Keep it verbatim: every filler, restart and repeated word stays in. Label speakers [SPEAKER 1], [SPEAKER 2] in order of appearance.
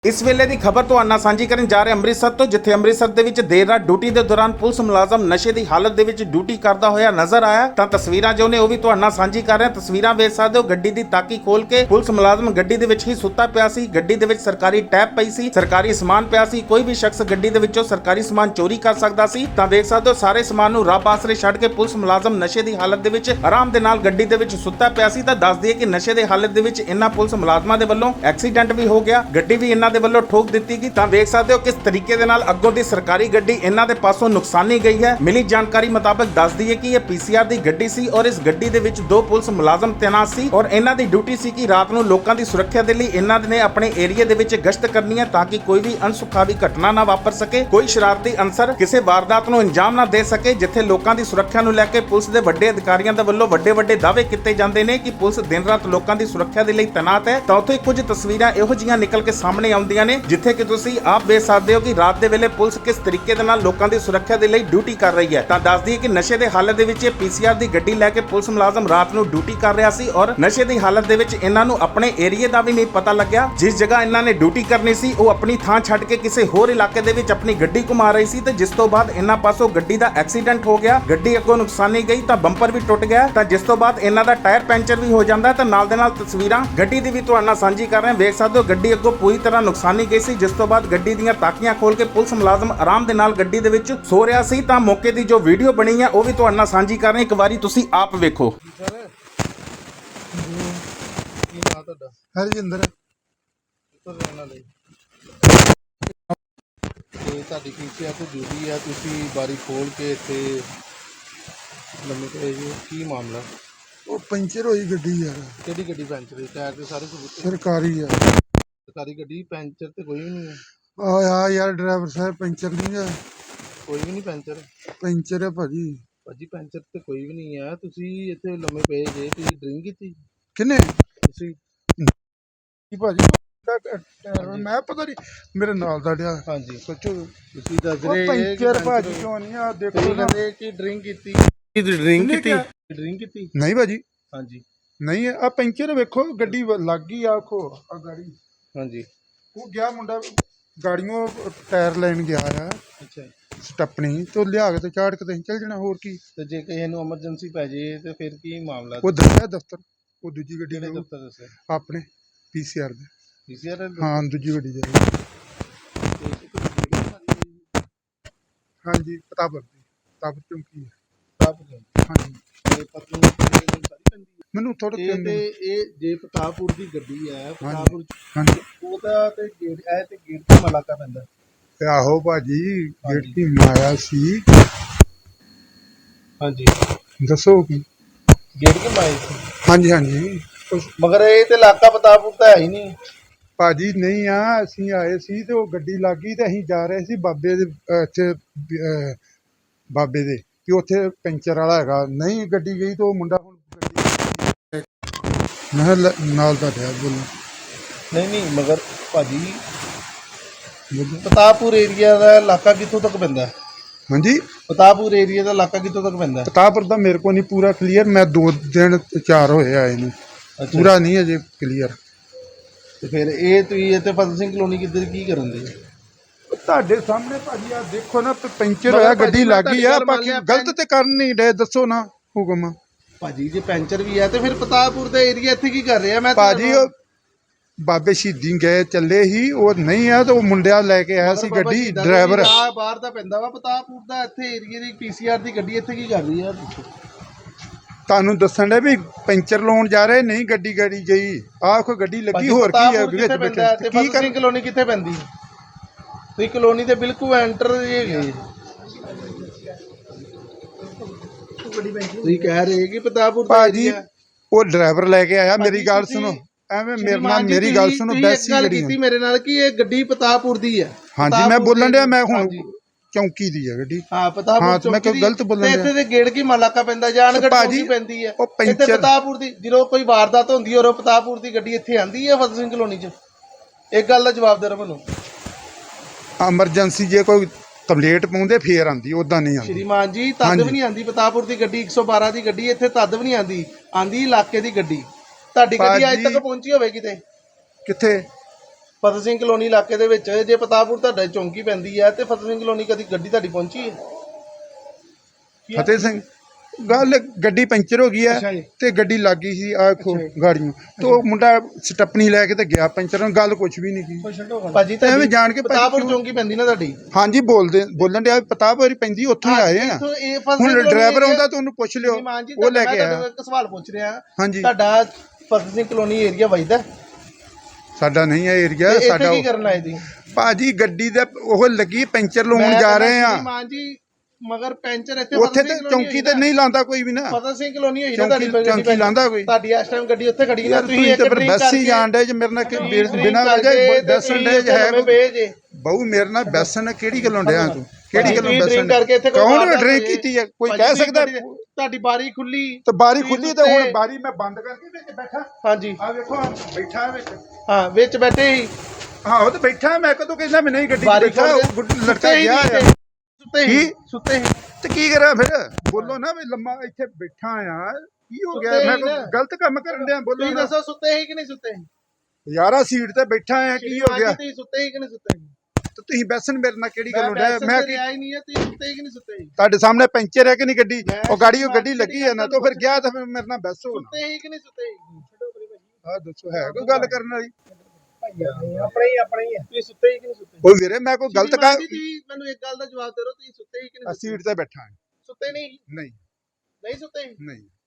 [SPEAKER 1] इस वेले की खबर तो आना साझी करन जा रहे ਅੰਮ੍ਰਿਤਸਰ ਤੋਂ ਜਿੱਥੇ ਅੰਮ੍ਰਿਤਸਰ ਦੇ ਵਿੱਚ ਦੇਰ ਰਾਤ ਡਿਊਟੀ ਦੇ ਦੌਰਾਨ ਪੁਲਿਸ ਮੁਲਾਜ਼ਮ ਨਸ਼ੇ ਦੀ ਹਾਲਤ ਦੇ ਵਿੱਚ ਡਿਊਟੀ ਕਰਦਾ ਹੋਇਆ ਨਜ਼ਰ ਆਇਆ ਤਾਂ ਤਸਵੀਰਾਂ ਜੋ ਨੇ ਉਹ ਵੀ ਤੁਹਾਡੇ ਨਾਲ ਸਾਂਝੀ ਕਰ ਰਹੇ ਹਾਂ। ਤਸਵੀਰਾਂ ਵੇਖ ਸਕਦੇ ਹੋ ਗੱਡੀ ਦੀ ਤਾਕੀ ਖੋਲ ਕੇ ਪੁਲਿਸ ਮੁਲਾਜ਼ਮ ਗੱਡੀ ਦੇ ਵਿੱਚ ਹੀ ਸੁੱਤਾ ਪਿਆ ਸੀ। ਗੱਡੀ ਦੇ ਵਿੱਚ ਸਰਕਾਰੀ ਟੈਬ ਪਈ ਸੀ, ਸਰਕਾਰੀ ਸਮਾਨ ਪਿਆ ਸੀ। ਕੋਈ ਵੀ ਸ਼ਖਸ ਗੱਡੀ ਦੇ ਵਿੱਚੋਂ ਸਰਕਾਰੀ ਸਮਾਨ ਚੋਰੀ ਕਰ ਸਕਦਾ ਸੀ। ਤਾਂ ਵੇਖ ਸਕਦੇ ਹੋ ਸਾਰੇ ਸਮਾਨ ਨੂੰ ਰੱਬ ਆਸਰੇ ਛੱਡ ਕੇ ਪੁਲਿਸ ਮੁਲਾਜ਼ਮ ਨਸ਼ੇ ਦੀ ਹਾਲਤ ਦੇ ਵਿੱਚ ਆਰਾਮ ਦੇ ਨਾਲ ਗੱਡੀ ਦੇ ਵਿੱਚ ਸੁੱਤਾ ਪਿਆ ਸੀ। ਤਾਂ ਦੱਸ ਦਈਏ ਕਿ ਨਸ਼ੇ ਦੇ ਹਾਲਤ ਦੇ ਵਿੱਚ ਇਹਨਾਂ ਪੁਲਿਸ ਮੁਲਾਜ਼ਮਾਂ ਦੇ ਵੱਲੋਂ ਐਕਸੀਡੈਂਟ ਵੀ ਹੋ ਗਿਆ, ਗੱਡੀ ਵੀ ਇਹਨਾਂ ਦੇ ਵੱਲੋਂ ਠੋਕ ਦਿੱਤੀ ਗਈ। ਤਾਂ ਵੇਖ ਸਕਦੇ ਹੋ ਕਿਸ ਤਰੀਕੇ ਦੇ ਨਾਲ ਅੱਗੋਂ ਦੀ ਸਰਕਾਰੀ ਗੱਡੀ ਇਹਨਾਂ ਦੇ ਪਾਸੋਂ ਨੁਕਸਾਨੀ ਗਈ ਹੈ। ਮਿਲੀ ਜਾਣਕਾਰੀ ਮੁਤਾਬਕ ਦੱਸ ਦਈਏ ਕਿ ਇਹ ਪੀਸੀਆਰ ਦੀ ਗੱਡੀ ਸੀ ਔਰ ਇਸ ਗੱਡੀ ਦੇ ਵਿੱਚ ਦੋ ਪੁਲਿਸ ਮੁਲਾਜ਼ਮ ਤੈਨਾਤ ਸੀ ਔਰ ਇਹਨਾਂ ਦੀ ਡਿਊਟੀ ਸੀ ਕਿ ਰਾਤ ਨੂੰ ਲੋਕਾਂ ਦੀ ਸੁਰੱਖਿਆ ਦੇ ਲਈ ਇਹਨਾਂ ਨੇ ਆਪਣੇ ਏਰੀਆ ਦੇ ਵਿੱਚ ਗਸ਼ਤ ਕਰਨੀ ਹੈ ਤਾਂ ਕਿ ਕੋਈ ਵੀ ਅਣਸੁਖਾਵੀ ਘਟਨਾ ਨਾ ਵਾਪਰ ਸਕੇ, ਕੋਈ ਸ਼ਰਾਰਤੀ ਅਨਸਰ ਕਿਸੇ ਵਾਰਦਾਤ ਨੂੰ ਅੰਜਾਮ ਨਾ ਦੇ ਸਕੇ। ਜਿੱਥੇ ਲੋਕਾਂ ਦੀ ਸੁਰੱਖਿਆ ਨੂੰ ਲੈ ਕੇ ਪੁਲਿਸ ਦੇ ਵੱਡੇ ਅਧਿਕਾਰੀਆਂ ਦੇ ਵੱਲੋਂ ਵੱਡੇ ਵੱਡੇ ਦਾਅਵੇ ਕੀਤੇ ਜਾਂਦੇ ਨੇ ਕਿ ਪੁਲਿਸ ਦਿਨ ਰਾਤ ਲੋਕਾਂ ਦੀ ਸੁਰੱਖਿਆ ਦੇ ਲਈ ਤੈਨਾਤ ਹੈ, ਤਾਂ ਉੱਥੇ ਕੁਝ ਤਸਵੀਰਾਂ ਇਹੋ ਜਿਹੀਆਂ ਨਿਕਲ ਕੇ ਸਾਹਮਣੇ ਆਉਂਦੀਆਂ ਨੇ ਜਿੱਥੇ ਕਿ ਤੁਸੀਂ ਆਪ ਵੇਖ ਸਕਦੇ ਹੋ ਕਿ ਰਾਤ ਦੇ ਵੇਲੇ ਪੁਲਿਸ ਕਿਸ ਤਰੀਕੇ ਦੇ ਨਾਲ ਲੋਕਾਂ ਦੀ ਸੁਰੱਖਿਆ ਦੇ ਲਈ ਡਿਊਟੀ ਕਰ ਰਹੀ ਹੈ। ਤਾਂ ਦੱਸ ਦਈਏ ਕਿ ਨਸ਼ੇ ਦੇ ਹਾਲਤ ਦੇ ਵਿੱਚ ਇਹ ਪੀਸੀਆਰ ਦੀ ਗੱਡੀ ਲੈ ਕੇ ਪੁਲਿਸ ਮੁਲਾਜ਼ਮ ਰਾਤ ਨੂੰ ਡਿਊਟੀ ਕਰ ਰਿਹਾ ਸੀ ਔਰ ਨਸ਼ੇ ਦੀ ਹਾਲਤ ਦੇ ਵਿੱਚ ਇਹਨਾਂ ਨੂੰ ਆਪਣੇ ਏਰੀਏ ਦਾ ਵੀ ਨਹੀਂ ਪਤਾ ਲੱਗਿਆ। ਜਿਸ ਜਗ੍ਹਾ ਇਹਨਾਂ ਨੇ ਡਿਊਟੀ ਕਰਨੀ ਸੀ ਉਹ ਆਪਣੀ ਥਾਂ ਛੱਡ ਕੇ ਕਿਸੇ ਹੋਰ ਇਲਾਕੇ ਦੇ ਵਿੱਚ ਆਪਣੀ ਗੱਡੀ ਘੁਮਾ ਰਹੀ ਸੀ ਤੇ ਜਿਸ ਤੋਂ ਬਾਅਦ ਇਹਨਾਂ ਪਾਸੋਂ ਗੱਡੀ ਦਾ ਐਕਸੀਡੈਂਟ ਹੋ ਗਿਆ। ਗੱਡੀ ਅੱਗੋਂ ਨੁਕਸਾਨੀ ਗਈ ਤਾਂ ਬੰਪਰ ਵੀ ਟੁੱਟ ਗਿਆ ਤਾਂ ਜਿਸ ਤੋਂ ਬਾਅਦ ਇਹਨਾਂ ਦਾ ਟਾਇਰ ਪੈਂਚਰ ਵੀ ਹੋ ਜਾਂਦਾ। ਤਾਂ ਨਾਲ ਦੇ ਨਾਲ ਤਸਵੀਰਾਂ ਗੱਡੀ ਦੀ ਵੀ ਤੁਹਾਡੇ ਨਾਲ ਸਾਂਝੀ ਕਰ ਰਹੇ ਹਾਂ। ਵੇਖ ਸਕਦੇ ਹੋ ਗੱਡੀ ਅੱਗੋਂ ਪੂਰੀ ਤਰ੍ਹਾਂ ਨੁਕਸਾਨੀ ਗਈ ਸੀ ਜਿਸ ਤੋਂ ਬਾਅਦ ਗੱਡੀ ਦੀਆਂ ਤਾਕੀਆਂ ਖੋਲ ਕੇ ਪੁਲਿਸ ਮੁਲਾਜ਼ਮ ਆਰਾਮ ਦੇ ਨਾਲ ਗੱਡੀ ਦੇ ਵਿੱਚ ਸੋ ਰਿਹਾ ਸੀ। ਤਾਂ ਮੌਕੇ ਦੀ ਜੋ ਵੀਡੀਓ ਬਣੀ ਹੈ ਉਹ ਵੀ ਤੁਹਾਡੇ ਨਾਲ ਸਾਂਝੀ ਕਰ ਰਹੇ ਹਾਂ, ਇੱਕ ਵਾਰੀ ਤੁਸੀਂ ਆਪ ਵੇਖੋ।
[SPEAKER 2] ਹਰਜਿੰਦਰ
[SPEAKER 3] ਤੁਹਾਡੀ ਪੀਸੀਆਰ ਤੋਂ ਡਿਊਟੀ ਆ, ਤੁਸੀਂ ਬਾਰੀ ਖੋਲ ਕੇ ਇੱਥੇ ਲੰਮੇ ਪਏ ਜੀ, ਕੀ ਮਾਮਲਾ?
[SPEAKER 2] ਉਹ ਪੰਚਰ ਹੋਈ ਗੱਡੀ ਯਾਰ।
[SPEAKER 3] ਕਿਹੜੀ ਗੱਡੀ ਪੈਂਚਰ ਹੋਈ? ਟਾਇਰ ਤੇ ਸਾਰੇ ਸਬੂਤ?
[SPEAKER 2] ਸਰਕਾਰੀ ਆ।
[SPEAKER 3] ਸਰਕਾਰੀ ਗੱਡੀ ਪੈਂਚਰ ਤੇ ਕੋਈ ਵੀ ਨਹੀਂ ਹੈ?
[SPEAKER 2] ਆ ਯਾਰ ਡਰਾਈਵਰ ਸਾਹਿਬ ਪੰਚਰ ਨਹੀਂ ਆ।
[SPEAKER 3] ਕੋਈ ਵੀ ਨਹੀਂ ਪੈਂਚਰ?
[SPEAKER 2] ਪੰਚਰ ਹੈ ਭਾਜੀ।
[SPEAKER 3] ਭਾਜੀ ਪੈਂਚਰ ਤੇ ਕੋਈ ਵੀ ਨਹੀਂ ਹੈ, ਤੁਸੀਂ ਇੱਥੇ ਲੰਮੇ ਪਏ ਜੇ, ਤੁਸੀਂ ਡਰਿੰਕ ਕੀਤੀ?
[SPEAKER 2] ਕਿੰਨੇ
[SPEAKER 3] ਤੁਸੀਂ
[SPEAKER 2] ਕੀ ਭਾਜੀ? ਮੈਂ ਪਤਾ ਨਹੀਂ ਮੇਰੇ ਨਾਲ ਦਾ ਡਿਆ।
[SPEAKER 3] ਹਾਂਜੀ ਸੋਚੋ, ਤੁਸੀਂ ਦੱਸ
[SPEAKER 2] ਉਹ
[SPEAKER 3] ਰਹੇ
[SPEAKER 2] ਪੰਚਰ ਭਾਜੀ ਕਿਉਂ ਨਹੀਂ ਆ? ਦੇਖੋ ਨਾ
[SPEAKER 3] ਕਹਿੰਦੇ ਕਿ ਡਰਿੰਕ ਕੀਤੀ। ਡਰਿੰਕ ਕੀਤੀ? ਡਰਿੰਕ ਕੀਤੀ?
[SPEAKER 2] ਨਹੀਂ ਭਾਜੀ,
[SPEAKER 3] ਹਾਂਜੀ
[SPEAKER 2] ਨਹੀਂ ਆ ਪੰਚਰ ਵੇਖੋ, ਗੱਡੀ ਲੱਗ ਗਈ ਆਖੋ ਆ ਗਾੜੀ।
[SPEAKER 3] ਹਾਂਜੀ
[SPEAKER 2] ਉਹ ਗਿਆ ਮੁੰਡਾ ਗਾੜੀਆਂ ਟਾਇਰ ਲੈਣ ਗਿਆ ਆ
[SPEAKER 3] ਅੱਛਾ
[SPEAKER 2] ਸਟੱਪਣੀ ਤੇ ਲਿਆ ਕੇ ਤੇ ਚਾੜ ਕੇ ਤੇ ਚੱਲ ਜਾਣਾ। ਹੋਰ ਕੀ?
[SPEAKER 3] ਤੇ ਜੇ ਕਿਸੇ ਨੂੰ ਐਮਰਜੈਂਸੀ ਪੈ ਜੇ ਤੇ ਫਿਰ ਕੀ ਮਾਮਲਾ?
[SPEAKER 2] ਉਹ ਦੱਸਿਆ ਦਫ਼ਤਰ, ਉਹ ਦੂਜੀ ਗੱਡੀ
[SPEAKER 3] ਕਿਹੜੇ
[SPEAKER 2] ਦੇ
[SPEAKER 3] ਦਫ਼ਤਰ ਦੱਸਿਆ?
[SPEAKER 2] ਆਪਣੇ ਪੀਸੀਆਰ ਦੇ।
[SPEAKER 3] ਪੀਸੀਆਰ?
[SPEAKER 2] ਹਾਂ ਦੂਜੀ ਗੱਡੀ ਦੇ। ਹਾਂਜੀ ਪਤਾਪੁਰ ਦੀ, ਪਤਾਪੁਰ ਚੌਂਕੀ ਹੈ। ਹਾਂਜੀ ਮੈਨੂੰ ਥੋੜੇ
[SPEAKER 3] ਤੇ ਇਹ ਜੇ ਪਤਾਪੁਰ ਦੀ ਗੱਡੀ ਹੈ, ਪਤਾਪੁਰ
[SPEAKER 2] ਹਾਂਜੀ
[SPEAKER 3] ਉਹਦਾ ਤੇ ਗੇਟ ਇਹ ਤੇ ਗੇਟ ਤੇ ਮਲਾਕਾ ਪੈਂਦਾ।
[SPEAKER 2] ਆਹੋ ਭਾਜੀ ਗੇਟ ਦੀ ਮਾਇਆ ਸੀ।
[SPEAKER 3] ਹਾਂਜੀ
[SPEAKER 2] ਦੱਸੋ ਕੀ
[SPEAKER 3] ਗੇਟ ਕੀ ਮਾਇਆ ਸੀ? ਹਾਂਜੀ
[SPEAKER 2] ਹਾਂਜੀ
[SPEAKER 3] ਮਗਰ ਇਹ ਤੇ ਇਲਾਕਾ ਪਤਾਪੁਰ ਤਾਂ ਹੈ ਹੀ ਨਹੀਂ
[SPEAKER 2] ਭਾਜੀ। ਨਹੀਂ ਆ, ਅਸੀਂ ਆਏ ਸੀ ਤੇ ਉਹ ਗੱਡੀ ਲੱਗ ਗਈ ਤੇ ਅਸੀਂ ਜਾ ਰਹੇ ਸੀ ਬਾਬੇ ਦੇ ਇੱਥੇ ਬਾਬੇ ਦੇ ਕਿ ਉੱਥੇ ਪੈਂਚਰ ਵਾਲਾ ਹੈਗਾ। ਨਹੀਂ ਗੱਡੀ ਗਈ ਤੇ ਉਹ ਮੁੰਡਾ ਹੁਣ ਗੱਡੀ ਮੈਂ ਨਾਲ ਦਾ ਡਿਆ ਬੋਲ।
[SPEAKER 3] ਨਹੀਂ ਨਹੀਂ ਮਗਰ ਭਾਜੀ ਪਤਾਪੁਰ ਏਰੀਆ ਦਾ ਇਲਾਕਾ ਕਿੱਥੋਂ ਤੱਕ ਪੈਂਦਾ?
[SPEAKER 2] ਹਾਂਜੀ
[SPEAKER 3] ਪਤਾਪੁਰ ਏਰੀਆ ਦਾ ਇਲਾਕਾ ਕਿੱਥੋਂ ਤੱਕ ਪੈਂਦਾ?
[SPEAKER 2] ਪਤਾਪੁਰ ਦਾ ਮੇਰੇ ਕੋਲ ਨਹੀਂ ਪੂਰਾ ਕਲੀਅਰ, ਮੈਂ ਦੋ ਦਿਨ ਚਾਰ ਹੋਏ ਆਏ ਨੂੰ, ਪੂਰਾ ਨਹੀਂ ਅਜੇ ਕਲੀਅਰ।
[SPEAKER 3] ਤੇ ਫਿਰ ਇਹ ਤੁਸੀਂ ਇੱਥੇ ਫਤਿਹ ਸਿੰਘ ਕਲੋਨੀ ਕਿੱਧਰ ਕੀ ਕਰਨ ਦੇ?
[SPEAKER 2] ਤੁਹਾਡੇ ਸਾਹਮਣੇ ਭਾਜੀ ਆ ਦੇਖੋ ਨਾ, ਪੈਂਚਰ ਹੋਇਆ, ਗੱਡੀ ਲੱਗ ਗਈ ਆ। ਬਾਕੀ ਗਲਤ ਤੇ ਕਰਨ ਨਹੀਂ ਡੇ, ਦੱਸੋ ਨਾ ਹੁਕਮ।
[SPEAKER 3] ਭਾਜੀ ਜੇ ਪੈਂਚਰ ਵੀ ਹੈ ਤੇ ਫਿਰ ਪਤਾਪੁਰ ਦਾ ਏਰੀਆ ਇੱਥੇ ਕੀ ਕਰ ਰਿਹਾ? ਮੈਂ
[SPEAKER 2] ਭਾਜੀ ਬਾਬੇ ਸ਼ਹੀਦੀ ਗਏ ਚੱਲੇ ਹੀ, ਉਹ ਨਹੀਂ ਆ ਤੇ ਉਹ ਮੁੰਡਿਆਂ ਲੈ ਕੇ ਆਇਆ ਸੀ ਗੱਡੀ, ਡਰਾਈਵਰ
[SPEAKER 3] ਬਾਹਰ ਦਾ ਪੈਂਦਾ ਵਾ ਪਤਾਪੁਰ ਦਾ, ਇੱਥੇ ਏਰੀਏ ਦੀ ਪੀਸੀਆਰ ਦੀ ਗੱਡੀ ਇੱਥੇ ਕੀ ਕਰ ਰਹੀ ਹੈ?
[SPEAKER 2] ਤੁਹਾਨੂੰ ਦੱਸਣ ਦੇ ਵੀ ਪੈਂਚਰ ਲਾਉਣ ਜਾ ਰਹੇ, ਨਹੀਂ ਗੱਡੀ ਗੱਡੀ ਗਈ ਆਹ ਕੋਈ ਗੱਡੀ ਲੱਗੀ। ਹੋਰ ਕੀ ਹੈ ਵਿੱਚ ਬੈਠੇ ਕੀ ਕਰ?
[SPEAKER 3] ਕਲੋਨੀ ਕਿੱਥੇ ਪੈਂਦੀ? ਤੁਸੀਂ ਕਲੋਨੀ ਦੇ ਬਿਲਕੁਲ ਐਂਟਰ ਹੈਗੇ, ਤੁਸੀਂ ਕਹਿ ਰਹੇ ਕਿ ਪਤਾਪੁਰ
[SPEAKER 2] ਭਾਜੀ ਉਹ ਡਰਾਈਵਰ ਲੈ ਕੇ ਆਇਆ। ਮੇਰੀ ਗੱਲ ਸੁਣੋ, ਐਵੇਂ ਮੇਰੇ ਨਾਲ ਮੇਰੀ ਗੱਲ ਸੁਣੋ। ਬੈਸੀ
[SPEAKER 3] ਗੱਲ ਕੀਤੀ ਮੇਰੇ ਨਾਲ ਕਿ ਇਹ ਗੱਡੀ ਪਤਾਪੁਰ ਦੀ ਹੈ।
[SPEAKER 2] ਹਾਂਜੀ ਮੈਂ ਬੋਲਣ ਡਿਆ, ਮੈਂ ਹੁਣ ਚੌਂਕੀ ਦੀ ਹੈ ਗੱਡੀ।
[SPEAKER 3] ਹਾਂ ਪਤਾਪੁਰ ਚੌਂਕੀ।
[SPEAKER 2] ਮੈਂ ਕੋਈ ਗਲਤ ਬੋਲਣ ਡਿਆ?
[SPEAKER 3] ਇੱਥੇ ਤੇ ਗੇੜ ਕੀ ਮਲਾਕਾ ਪੈਂਦਾ, ਜਾਨਗੜ ਚੌਂਕੀ ਪੈਂਦੀ ਹੈ। ਇੱਥੇ ਪਤਾਪੁਰ ਦੀ ਜਦੋਂ ਕੋਈ ਵਾਰਦਾਤ ਹੁੰਦੀ ਹੈ ਔਰ ਪਤਾਪੁਰ ਦੀ ਗੱਡੀ ਇੱਥੇ ਆਂਦੀ ਹੈ ਫਤਿਹ ਸਿੰਘ ਕਲੋਨੀ 'ਚ? ਇੱਕ ਗੱਲ ਦਾ ਜਵਾਬ ਦੇ ਰਹਾ ਮੈਨੂੰ।
[SPEAKER 2] ਐਮਰਜੈਂਸੀ ਜੇ ਕੋਈ ਕੰਪਲੇਂਟ ਪਾਉਂਦੇ ਫੇਰ ਆਂਦੀ, ਉਦਾਂ ਨਹੀਂ ਆਂਦੀ
[SPEAKER 3] ਸ਼੍ਰੀਮਾਨ ਜੀ। ਤਦ ਵੀ ਨਹੀਂ ਆਂਦੀ ਪਤਾਪੁਰ ਦੀ ਗੱਡੀ, ਇੱਕ ਸੌ ਬਾਰਾਂ ਦੀ ਗੱਡੀ ਇੱਥੇ ਤਦ ਵੀ ਨਹੀਂ ਆਂਦੀ। ਆਂਦੀ ਇਲਾਕੇ ਦੀ ਗੱਡੀ। ਤੁਹਾਡੀ ਗੱਡੀ ਅੱਜ ਤੱਕ ਪਹੁੰਚੀ ਹੋਵੇ ਕਿਤੇ?
[SPEAKER 2] ਕਿੱਥੇ?
[SPEAKER 3] ਫਤਿਹ ਸਿੰਘ ਕਲੋਨੀ ਇਲਾਕੇ ਦੇ ਵਿੱਚ ਜੇ ਪਤਾਪੁਰ ਤੁਹਾਡਾ ਚੌਂਕੀ ਪੈਂਦੀ ਹੈ ਤੇ ਫਤਿਹ ਸਿੰਘ ਕਲੋਨੀ ਕਦੀ ਗੱਡੀ ਤੁਹਾਡੀ ਪਹੁੰਚੀ ਹੈ?
[SPEAKER 2] ਫਤਿਹ ਸਿੰਘ ਗੱਲ ਗੱਡੀ ਪੈਂਚਰ ਹੋ ਗਈ
[SPEAKER 3] ਅੱਛਾ
[SPEAKER 2] ਹੈ
[SPEAKER 3] ਜੀ।
[SPEAKER 2] ਤੇ ਗੱਡੀ ਲੱਗ ਗਈ ਸੀ ਆ ਦੇਖੋ
[SPEAKER 3] ਅੱਛਾ ਜੀ।
[SPEAKER 2] ਗਾੜੀਆਂ ਤੇ ਉਹ ਮੁੰਡਾ ਸਟੱਪਣੀ ਲੈ ਕੇ ਤੇ ਗਿਆ ਪੈਂਚਰ ਨਾਲ ਗੱਲ ਕੁਝ ਵੀ ਨਹੀਂ ਕੀ
[SPEAKER 3] ਭਾਜੀ
[SPEAKER 2] ਐਵੇਂ
[SPEAKER 3] ਤੁਹਾਡੀ
[SPEAKER 2] ਜਾਣ ਕੇ ਭਾਜੀ
[SPEAKER 3] ਪਤਾਪੁਰ
[SPEAKER 2] ਕਿਉਂ-
[SPEAKER 3] ਚੌਂਕੀ ਪੈਂਦੀ ਨਾ ਤੁਹਾਡੀ
[SPEAKER 2] ਹਾਂਜੀ ਬੋਲਦੇ ਬੋਲਣ ਡਿਆ ਪਤਾ ਵਾਰੀ ਪੈਂਦੀ ਉੱਥੋਂ ਹੀ ਆਏ ਆ
[SPEAKER 3] ਇੱਥੋਂ ਇਹ ਫਤਿਹ
[SPEAKER 2] ਹੁਣ
[SPEAKER 3] ਸਿੰਘ ਕਲੋਨੀ
[SPEAKER 2] ਡਰਾਈਵਰ
[SPEAKER 3] area-
[SPEAKER 2] ਆਉਂਦਾ ਤਾਂ ਉਹਨੂੰ ਪੁੱਛ ਲਿਓ
[SPEAKER 3] ਮਾਨ ਜੀ,
[SPEAKER 2] ਉਹ ਲੈ
[SPEAKER 3] ਮੈਂ
[SPEAKER 2] ਕੇ
[SPEAKER 3] ਤੁਹਾਨੂੰ
[SPEAKER 2] ਆਇਆ
[SPEAKER 3] ਇੱਕ ਸਵਾਲ ਪੁੱਛ ਰਿਹਾ
[SPEAKER 2] ਹਾਂਜੀ
[SPEAKER 3] ਤੁਹਾਡਾ ਫਤਿਹ ਸਿੰਘ ਕਲੋਨੀ ਏਰੀਆ ਵੱਜਦਾ
[SPEAKER 2] ਸਾਡਾ ਨਹੀਂ ਹੈ ਏਰੀਆ
[SPEAKER 3] ਤੇ
[SPEAKER 2] ਸਾਡਾ
[SPEAKER 3] ਇੱਥੇ ਕੀ
[SPEAKER 2] ਉਹ-
[SPEAKER 3] ਕਰਨ ਆਏ ਜੀ?
[SPEAKER 2] ਭਾਜੀ ਗੱਡੀ ਦਾ ਉਹ ਲੱਗੀ ਪੈਂਚਰ ਲਾਉਣ
[SPEAKER 3] ਮੈਂ
[SPEAKER 2] ਜਾ
[SPEAKER 3] ਕਹਿੰਦਾ
[SPEAKER 2] ਰਹੇ ਆ
[SPEAKER 3] ਸ਼੍ਰੀ ਮਾਨ ਜੀ ਮਗਰ ਪੈਂਚਰ ਇੱਥੇ
[SPEAKER 2] ਉੱਥੇ
[SPEAKER 3] ਫਤਿਹ
[SPEAKER 2] ਤੇ
[SPEAKER 3] ਸਿੰਘ ਕਲੋਨੀ
[SPEAKER 2] ਚੌਂਕੀ
[SPEAKER 3] ਹੋਈ
[SPEAKER 2] ਤੇ
[SPEAKER 3] ਨਾ।
[SPEAKER 2] ਨਹੀਂ ਲਾਂਦਾ ਕੋਈ ਵੀ ਨਾ
[SPEAKER 3] ਫਤਿਹ ਸਿੰਘ ਕਲੋਨੀ ਹੋਈ ਨਾ
[SPEAKER 2] ਚੌਂਕੀ
[SPEAKER 3] ਤੁਹਾਡੀ
[SPEAKER 2] ਚੌਂਕੀ
[SPEAKER 3] ਗੱਡੀ
[SPEAKER 2] ਲਾਂਦਾ ਕੋਈ
[SPEAKER 3] ਤੁਹਾਡੀ ਇਸ ਟਾਈਮ ਗੱਡੀ ਉੱਥੇ ਖੜੀ ਨਾ
[SPEAKER 2] ਯਾਰ
[SPEAKER 3] ਤੁਸੀਂ
[SPEAKER 2] ਤੁਸੀਂ
[SPEAKER 3] ਇੱਕ
[SPEAKER 2] ਤੇ ਫਿਰ
[SPEAKER 3] drink
[SPEAKER 2] ਬੱਸ ਹੀ
[SPEAKER 3] ਕਰਕੇ-
[SPEAKER 2] ਜਾਣ ਡੇ ਜੇ ਮੇਰੇ ਨਾਲ ਕਿ
[SPEAKER 3] drink
[SPEAKER 2] ਬਿਨਾਂ
[SPEAKER 3] ਕਰਕੇ
[SPEAKER 2] ਵਜ੍ਹਾ
[SPEAKER 3] ਤੇ
[SPEAKER 2] ਦੱਸਣ
[SPEAKER 3] ਤੁਸੀਂ
[SPEAKER 2] ਡੇ
[SPEAKER 3] ਉੱਥੇ
[SPEAKER 2] ਹੈ
[SPEAKER 3] ਨਵੇਂ ਪਏ ਜੇ।
[SPEAKER 2] ਬਹੁ ਮੇਰੇ ਨਾਲ ਬੈਸਣ ਕਿਹੜੀ ਗੱਲੋਂ ਡਿਆ ਤੂੰ ਕਿਹੜੀ
[SPEAKER 3] ਭਾਜੀ,
[SPEAKER 2] ਗੱਲੋਂ
[SPEAKER 3] ਤੁਸੀਂ drink
[SPEAKER 2] ਬੈਸਣ
[SPEAKER 3] ਕਰਕੇ ਇੱਥੇ ਕੋਈ
[SPEAKER 2] ਕੌਣ
[SPEAKER 3] ਵਾਰਦਾਤ
[SPEAKER 2] ਡਰਿੰਕ
[SPEAKER 3] ਹੋਈ?
[SPEAKER 2] ਕੀਤੀ ਹੈ ਕੋਈ
[SPEAKER 3] ਭਾਜੀ,
[SPEAKER 2] ਕਹਿ
[SPEAKER 3] ਤੁਸੀਂ
[SPEAKER 2] ਸਕਦਾ
[SPEAKER 3] ਗੱਡੀ- ਤੁਹਾਡੀ ਬਾਰੀ ਖੁੱਲੀ
[SPEAKER 2] ਤੇ ਬਾਰੀ
[SPEAKER 3] ਤੁਸੀਂ
[SPEAKER 2] ਖੁੱਲੀ ਤੇ ਹੁਣ
[SPEAKER 3] ਉੱਤੇ-
[SPEAKER 2] ਬਾਰੀ ਮੈਂ ਬੰਦ ਕਰਕੇ ਵਿੱਚ ਬੈਠਾ
[SPEAKER 3] ਹਾਂਜੀ
[SPEAKER 2] ਆ ਵੇਖੋ ਆ ਬੈਠਾ ਵਿੱਚ
[SPEAKER 3] ਹਾਂ ਵਿੱਚ ਬੈਠੇ ਹੀ
[SPEAKER 2] ਹਾਂ ਉਹ ਤੇ ਬੈਠਾ ਮੈਂ ਕਦੋਂ ਕਹਿੰਦਾ ਮੈਂ ਨਹੀਂ ਗੱਡੀ 'ਚ
[SPEAKER 3] ਬਾਰੀ
[SPEAKER 2] ਬੈਠਾ
[SPEAKER 3] ਖੋਲ
[SPEAKER 2] ਉਹ
[SPEAKER 3] ਕੇ
[SPEAKER 2] ਗੁੱਡ-
[SPEAKER 3] ਸੁੱਤੇ
[SPEAKER 2] ਲੜਕਾ
[SPEAKER 3] ਹੀ
[SPEAKER 2] ਗਿਆ
[SPEAKER 3] ਨਹੀਂ
[SPEAKER 2] ਆ
[SPEAKER 3] ਤੇ। ਸੁੱਤੇ ਹੀ
[SPEAKER 2] ਕੀ?
[SPEAKER 3] ਸੁੱਤੇ ਹੀ
[SPEAKER 2] ਤੇ ਕੀ ਕਰਾਂ ਫਿਰ ਬੋਲੋ ਨਾ ਵੀ ਲੰਮਾ ਇੱਥੇ ਬੈਠਾ ਆ ਕੀ ਹੋ ਗਿਆ
[SPEAKER 3] ਸੁੱਤੇ
[SPEAKER 2] ਮੈਂ
[SPEAKER 3] ਹੀ
[SPEAKER 2] ਕੋਈ
[SPEAKER 3] ਨਾ।
[SPEAKER 2] ਗਲਤ ਕੰਮ ਕਰਨ ਡਿਆ ਬੋਲੋ
[SPEAKER 3] ਤੁਸੀਂ
[SPEAKER 2] ਨਾ
[SPEAKER 3] ਦੱਸੋ ਸੁੱਤੇ ਹੀ ਕਿ ਨਹੀਂ ਸੁੱਤੇ
[SPEAKER 2] ਯਾਰਾ ਸੀਟ ਤੇ ਬੈਠਾ ਆ ਕੀ ਹੋ ਗਿਆ
[SPEAKER 3] ਤੁਸੀਂ ਸੁੱਤੇ ਹੀ ਕਿ ਨਹੀਂ ਸੁੱਤੇ
[SPEAKER 2] ਤੇ ਤੁਸੀਂ ਬੈਸਣ ਮੇਰੇ ਨਾਲ ਕਿਹੜੀ
[SPEAKER 3] ਮੈਂ
[SPEAKER 2] ਗੱਲੋਂ ਡਿਆ
[SPEAKER 3] ਮੈਂ
[SPEAKER 2] ਮੈਂ ਕੀ
[SPEAKER 3] ਰਿਹਾ ਹੀ ਨਹੀਂ ਹੈ ਤੁਸੀਂ ਸੁੱਤੇ ਹੀ ਕਿ ਨਹੀਂ ਸੁੱਤੇ
[SPEAKER 2] ਤੁਹਾਡੇ ਸਾਹਮਣੇ ਪੈਂਚਰ ਹੈ ਕਿ ਨਹੀਂ ਗੱਡੀ
[SPEAKER 3] ਮੈਂ
[SPEAKER 2] ਉਹ ਗਾੜੀ ਉਹ
[SPEAKER 3] ਸੁੱਤਾ
[SPEAKER 2] ਗੱਡੀ ਲੱਗੀ ਹੈ ਨਾ ਤਾਂ ਫਿਰ ਗਿਆ ਤਾਂ ਫਿਰ ਮੇਰੇ ਨਾਲ ਬੈਸ ਹੋ
[SPEAKER 3] ਸੁੱਤੇ ਹੀ ਕਿ ਨਹੀਂ ਸੁੱਤੇ
[SPEAKER 2] ਆ ਦੱਸੋ ਹੈ ਕੋਈ ਗੱਲ ਕਰਨ ਵਾਲੀ
[SPEAKER 3] ਆਪਣਾ ਹੀ ਆਪਣਾ ਹੀ ਹੈ ਤੁਸੀਂ ਸੁੱਤੇ ਹੀ ਕਿ ਨਹੀਂ ਸੁੱਤੇ
[SPEAKER 2] ਉਹ ਵੀਰੇ ਮੈਂ ਕੋਈ ਗਲਤ
[SPEAKER 3] ਸ਼੍ਰੀਮਾਨ
[SPEAKER 2] ਕਰ
[SPEAKER 3] ਜੀ, ਤੁਸੀਂ ਮੈਨੂੰ ਇੱਕ ਗੱਲ ਦਾ ਜਵਾਬ ਦੇ ਦਿਓ ਤੁਸੀਂ ਸੁੱਤੇ ਹੀ ਕਿ ਨਹੀਂ ਸੁੱਤੇ?
[SPEAKER 2] ਸੀਟ ਤੇ ਬੈਠਾ ਹਾਂ।
[SPEAKER 3] ਸੁੱਤੇ ਨਹੀਂ
[SPEAKER 2] ਨਹੀਂ
[SPEAKER 3] ਨਹੀਂ ਸੁੱਤੇ
[SPEAKER 2] ਨਹੀਂ